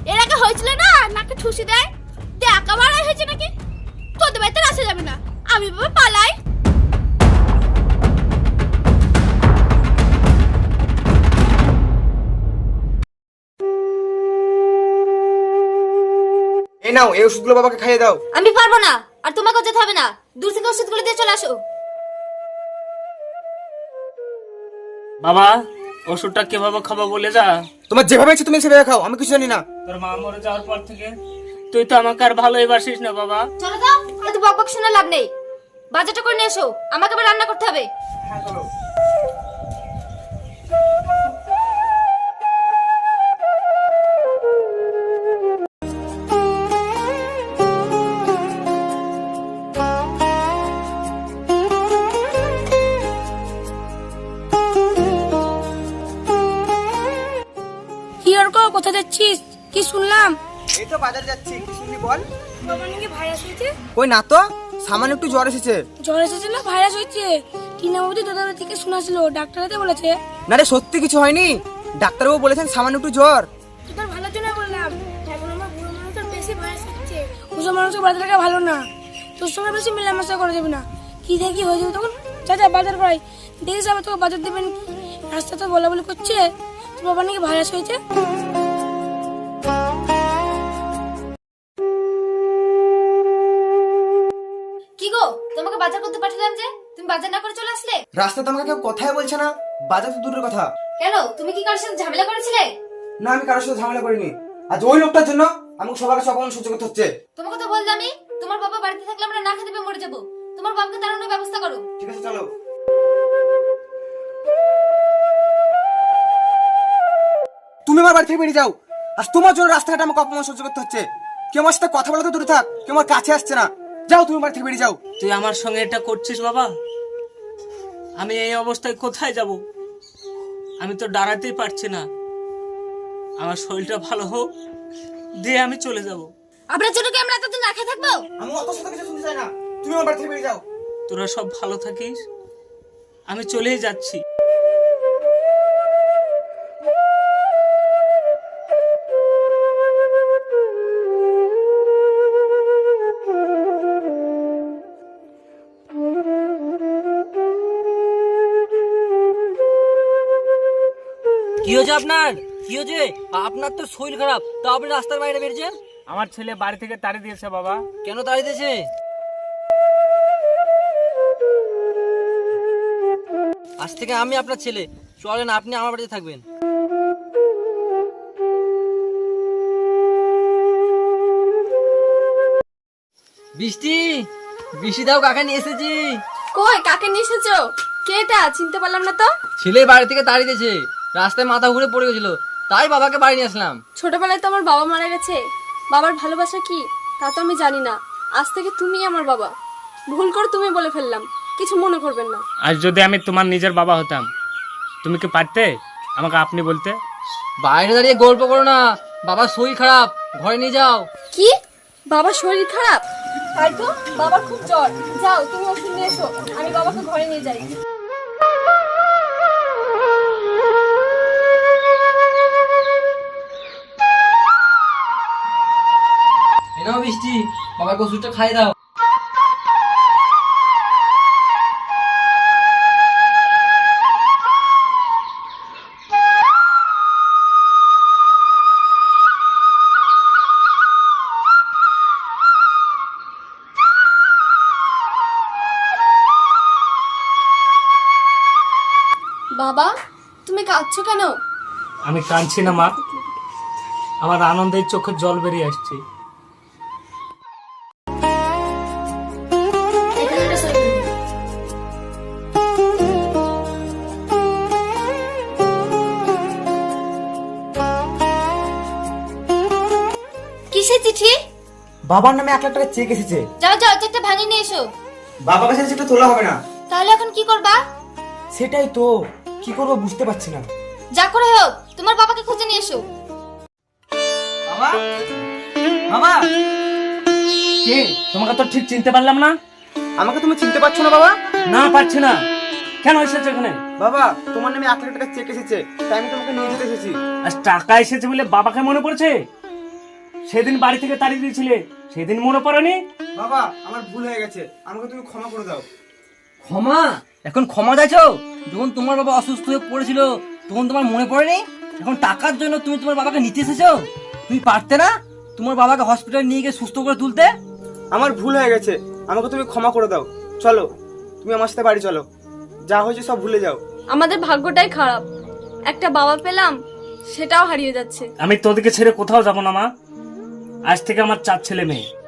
এর আগে হয়েছিল না নাকে ঠুসি দেয়, টাকা বাড়াই হয়েছে নাকি? তোদের বাড়িতে আসা যাবে না, আমি বাবা পালাই। এই নাও, এই ওষুধগুলো বাবাকে খাইয়ে দাও। আমি পারবো না, আর তোমাকেও যেতে হবে না। দূর থেকে ওষুধগুলো দিয়ে চলে আসো। বাবা, ওষুধটা কিভাবে খাবো বলে যা। তোমার যেভাবে ইচ্ছে তুমি সেভাবে খাও, আমি কিছু জানি না। তোর মা মরে যাওয়ার পর থেকে তুই তো আমাকে আর ভালোই বাসিস না বাবা। চলো যাও, এত বকবক শুনে লাভ নেই। বাজারটা করে নিয়ে এসো, আমাকে আবার রান্না করতে হবে। হ্যাঁ চলো। কি আর কো, কোথা যাচ্ছিস? কি শুনলাম? এই তো বাজার যাচ্ছি, কি শুনলি বল? বাবা নাকি ভাইরাস হয়েছে। ওই না তো, সামান্য একটু জ্বর এসেছে। জ্বর এসেছে না ভাইরাস হয়েছে? টিনাবতী দাদার থেকে শোনাছিল, ডাক্তারতে বলেছে। না রে, সত্যি কিছু হয়নি। ডাক্তারবাবু বলেছেন সামান্য একটু জ্বর। তোর ভালোর জন্য বললাম, এখন আমার বুড়ো মানুষের বেশি ভাইরাস হচ্ছে। বুড়ো মানুষের বাড়িতে থাকা ভালো না, তোর সঙ্গে বেশি মেলামেশা করা যাবে না। কি দেখি হয়ে যাবে তখন। চাচা বাজার করাই, দেখিস আবার তোকে বাজার দেবেন। রাস্তা তো বলা বলি করছে তোর বাবা নাকি ভাইরাস হয়েছে। কি গো, তোমাকে বাজার করতে পাঠালাম যে তুমি বাজার না করে চলে আসলে? রাস্তাতে আমাকে কেউ কথাই বলছে না, বাজার তো দূরের কথা। কেন, তুমি কি কারোর সাথে ঝামেলা করেছিলে? না, আমি কারোর সাথে ঝামেলা করিনি। আজ ওই লোকটার জন্য আমাকে সবার কাছে অপমান সহ্য করতে হচ্ছে। তোমাকে তো বললামই, তোমার বাবা বাড়িতে থাকলে আমরা না খেতে পেয়ে মরে যাবো। তোমার বাবাকে তাড়ানোর ব্যবস্থা করো। ঠিক আছে চলো। তুমি আমার বাড়ি থেকে বেরিয়ে যাও। আজ তোমার জন্য রাস্তাঘাটে আমাকে অপমান সহ্য করতে হচ্ছে। কেউ আমার সাথে কথা বলা তো দূরে থাক, কেউ আমার কাছে আসছে না। যাও, তুমি বাড়ি থেকে বেরিয়ে যাও। তুই আমার সঙ্গে এটা করছিস বাবা? আমি এই অবস্থায় কোথায় যাব? আমি তো দাঁড়াতেই পারছি না। আমার শরীরটা ভালো হোক, দিয়ে আমি চলে যাব। আপনার জন্য কি আমরা এতদিন না খেয়ে থাকবো? আমি অত সাথে কিছু শুনতে চাই না, তুমি আমার বাড়ি থেকে বেরিয়ে যাও। তোরা সব ভালো থাকিস, আমি চলেই যাচ্ছি। কি হয়েছে আপনার? কি হয়েছে? আপনার তো শরীর খারাপ, তা আপনি রাস্তার বাইরে বেরিয়েছেন? আমার ছেলে বাড়ি থেকে তাড়িয়ে দিয়েছে বাবা। কেন দাঁড়িয়েছে? আজ থেকে আমি আপনার ছেলে, চলেন আপনি আমার বাড়িতে থাকবেন। বৃষ্টি, বৃষ্টি দাও, কাকা নিয়ে এসেছি। কই, কাকে নিয়ে এসেছো? কে এটা? চিনতে পারলাম না তো। ছেলে বাড়ি থেকে তাড়িয়ে দিয়েছে, রাস্তায় মাথা ঘুরে পড়ে গেছিল, তাই বাবাকে বাড়ি নিয়ে আসলাম। ছোটবেলায় তো আমার বাবা মারা গেছে, বাবার ভালোবাসা কি তা তো আমি জানি না। আজ থেকে তুমি আমার বাবা। ভুল করে তুমি বলে ফেললাম, কিছু মনে করবেন না। আজ যদি আমি তোমার নিজের বাবা হতাম, তুমি কি পারতে আমাকে আপনি বলতে? বাইরে দাঁড়িয়ে গল্প করো না, বাবার শরীর খারাপ, ঘরে নিয়ে যাও। কি? বাবার শরীর খারাপ? তাই তো, বাবার খুব জ্বর। যাও তুমি ওষুধ নিয়ে এসো, আমি বাবাকে ঘরে নিয়ে যাই। এই নাও বৃষ্টি, বাবাকে ওষুধটা খাই দাও। বাবা, তুমি কাঁদছো কেন? আমি কাঁদছি না মা, আমার আনন্দের চোখে জল বেরিয়ে আসছে। এখানে একটা সই করে দিন। কিসের চিঠি? বাবার নামে 1 লাখ টাকা চেক এসেছে। যাও যাও, চেকটা ভাঙিয়ে নিয়ে এসো। বাবার কাছে চেকটা তোলা হবে না। তাহলে এখন কি করবা? সেটাই তো, কি করবো বুঝতে পারছি না। যা করে হোক, তোমার বাবাকে খুঁজে নিয়ে এসো। বাবা, বাবা, কে? তোমাকে তো ঠিক চিনতে পারলাম না। আমাকে তুমি চিনতে পারছো না বাবা? না পারছি না। কেন এসেছে এখানে? বাবা, তোমার নামে 1 লাখ টাকা চেক এসেছে, তাই আমি তোমাকে নিয়ে যেতে এসেছি। আজ টাকা এসেছে বলে বাবাকে মনে পড়ছে? সেদিন বাড়ি থেকে তাড়িয়ে দিয়েছিলে, সেদিন মনে পড়েনি? বাবা আমার ভুল হয়ে গেছে, আমাকে তুমি ক্ষমা করে দাও। ক্ষমা? এখন ক্ষমা চাইছো? যখন তোমার বাবা অসুস্থ হয়ে পড়েছিল তখন তোমার মনে পড়েনি? এখন টাকার জন্য তুমি তোমার বাবাকে নিতে এসেছো? তুমি পারতে না তোমার বাবাকে হসপিটালে নিয়ে গিয়ে সুস্থ করে তুলতে? আমার ভুল হয়ে গেছে, আমাকে তুমি ক্ষমা করে দাও। চলো তুমি আমার সাথে বাড়ি চলো, যা হয়েছে সব ভুলে যাও। আমাদের ভাগ্যটাই খারাপ, একটা বাবা পেলাম সেটাও হারিয়ে যাচ্ছে। আমি তোদেরকে ছেড়ে কোথাও যাব না মা। আজ থেকে আমার 4 ছেলে মেয়ে।